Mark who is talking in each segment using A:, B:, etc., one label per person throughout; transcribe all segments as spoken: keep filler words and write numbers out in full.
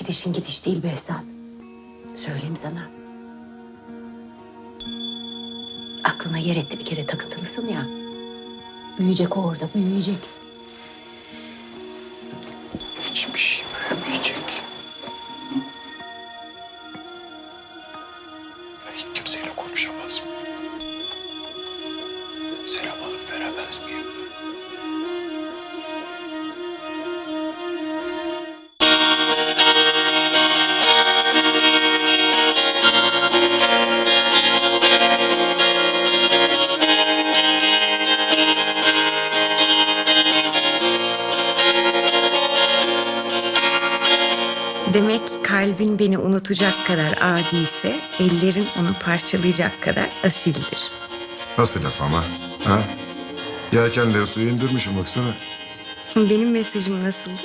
A: gidişin gidiş değil Behzat. Söyleyeyim sana. Aklına yer etti bir kere takıntılısın ya. Büyüyecek o orada, büyüyecek.
B: Hiçbir şey büyümeyecek. Ben hiç kimseyle konuşamaz mıyım? Selam alıp veremez miyim?
C: Demek kalbin beni unutacak kadar adiyse, ellerin onu parçalayacak kadar asildir.
D: Nasıl laf ama? Ha? Yelkenleri suya indirmişim baksana.
C: Benim mesajım nasıldı?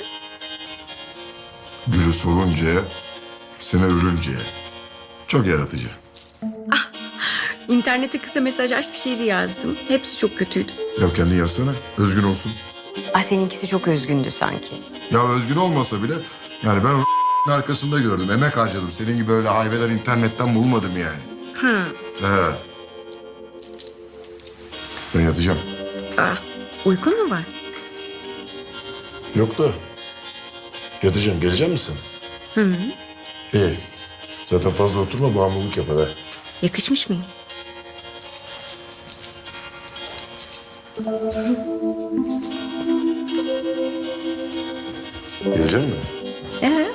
D: Gülü soluncaya, sene ölünceye. Çok yaratıcı.
C: İnternete kısa mesaj aşk şiiri yazdım. Hepsi çok kötüydü.
D: Ya kendin yazsana, özgün olsun.
C: Ah, seninkisi çok özgündü sanki.
D: Ya özgün olmasa bile, yani ben onun arkasında gördüm, emek harcadım. Senin gibi öyle hayveler internetten bulmadım yani.
C: Hı.
D: He. Ben yatacağım.
C: Ah, uykun mu var?
D: Yok da, yatacağım. Gelecek misin?
C: Hı hı.
D: İyi. Zaten fazla oturma, bağımlılık yapar ha.
C: Yakışmış mıyım?
D: Gelecek mi?
C: Ee?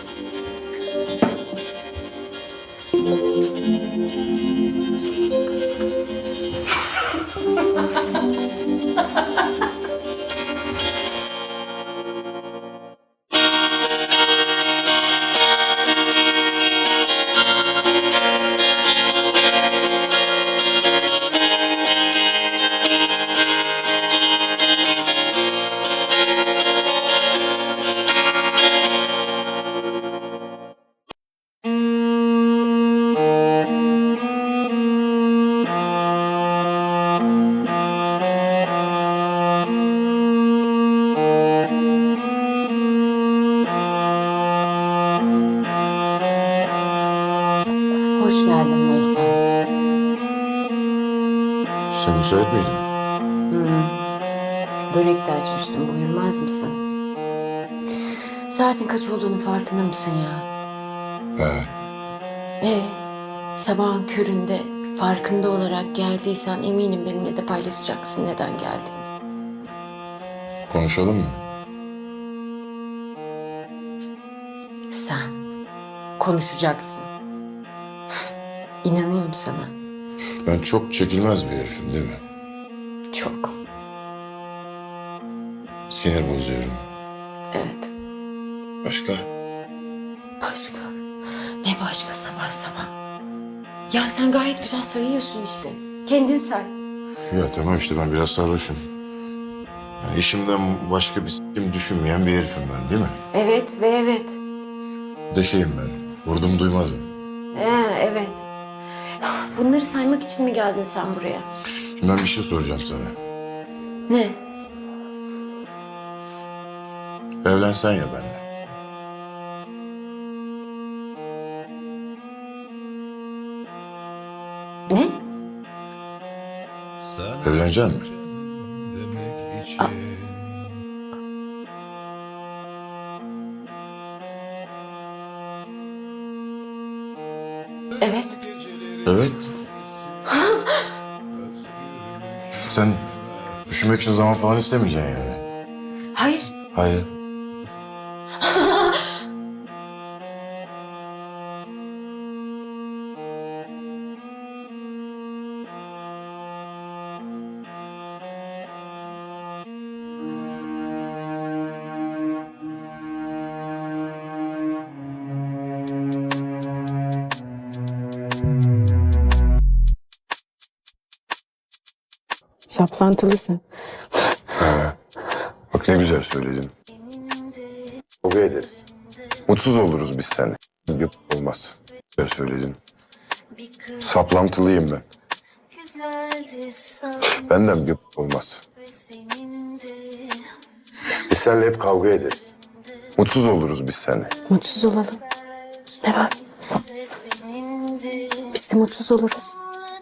A: Hoş geldin Behzat.
D: Sen müsait miydin?
A: Hı. Börek de açmıştım, buyurmaz mısın? Saatin kaç olduğunu farkında mısın ya?
D: He.
A: Ee, sabahın köründe farkında olarak geldiysen eminim benimle de paylaşacaksın neden geldiğini.
D: Konuşalım mı?
A: Sen konuşacaksın. İnanayım mı sana?
D: Ben çok çekilmez bir herifim değil mi?
A: Çok.
D: Sinir bozuyorum.
A: Evet.
D: Başka?
A: Başka? Ne başka sabah sabah? Ya sen gayet güzel sayıyorsun işte. Kendin say.
D: Ya tamam işte ben biraz sarhoşum. Yani işimden başka bir s**kim düşünmeyen bir herifim ben değil mi?
A: Evet ve evet.
D: Bir de şeyim ben. Vurdum duymazım.
A: Ee, evet. Bunları saymak için mi geldin sen buraya?
D: Şimdi ben bir şey soracağım sana.
A: Ne?
D: Evlensen ya benimle.
A: Ne?
D: Evlenecek misin?
A: Aa. Evet.
D: Evet. Sen düşünmek için zaman falan istemeyeceksin yani.
A: Hayır.
D: Hayır.
A: Saplantılısın.
D: Ha. Bak ne güzel söyledin. Kavga ederiz. Mutsuz oluruz biz seninle. Yok olmaz. Güzel söyledin. Saplantılıyım ben. Benden yok olmaz. Biz seninle hep kavga ederiz. Mutsuz oluruz biz seninle.
A: Mutsuz olalım. Ne var? Biz de mutsuz oluruz.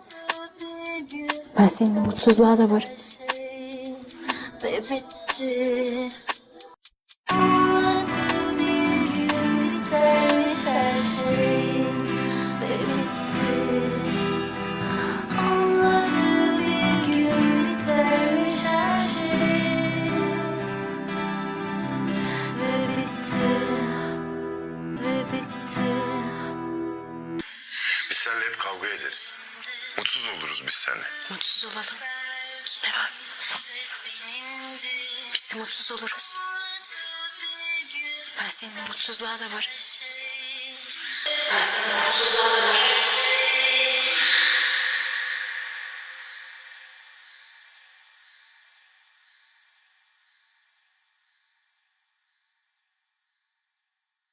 A: Ben seninle mutsuzluğa da varım.
E: Ve bitti. Anlattı bir gün bitermiş her şey. Ve bitti. Anlattı bir gün bitermiş her şey. Ve bitti. Ve bitti.
D: Biz seninle hep kavga ederiz. Mutsuz oluruz biz seninle.
A: Mutsuz olalım. Ne var? Biz de mutsuz oluruz. Ben seninle mutsuzluğa da varım. Ben seninle mutsuzluğa da varım.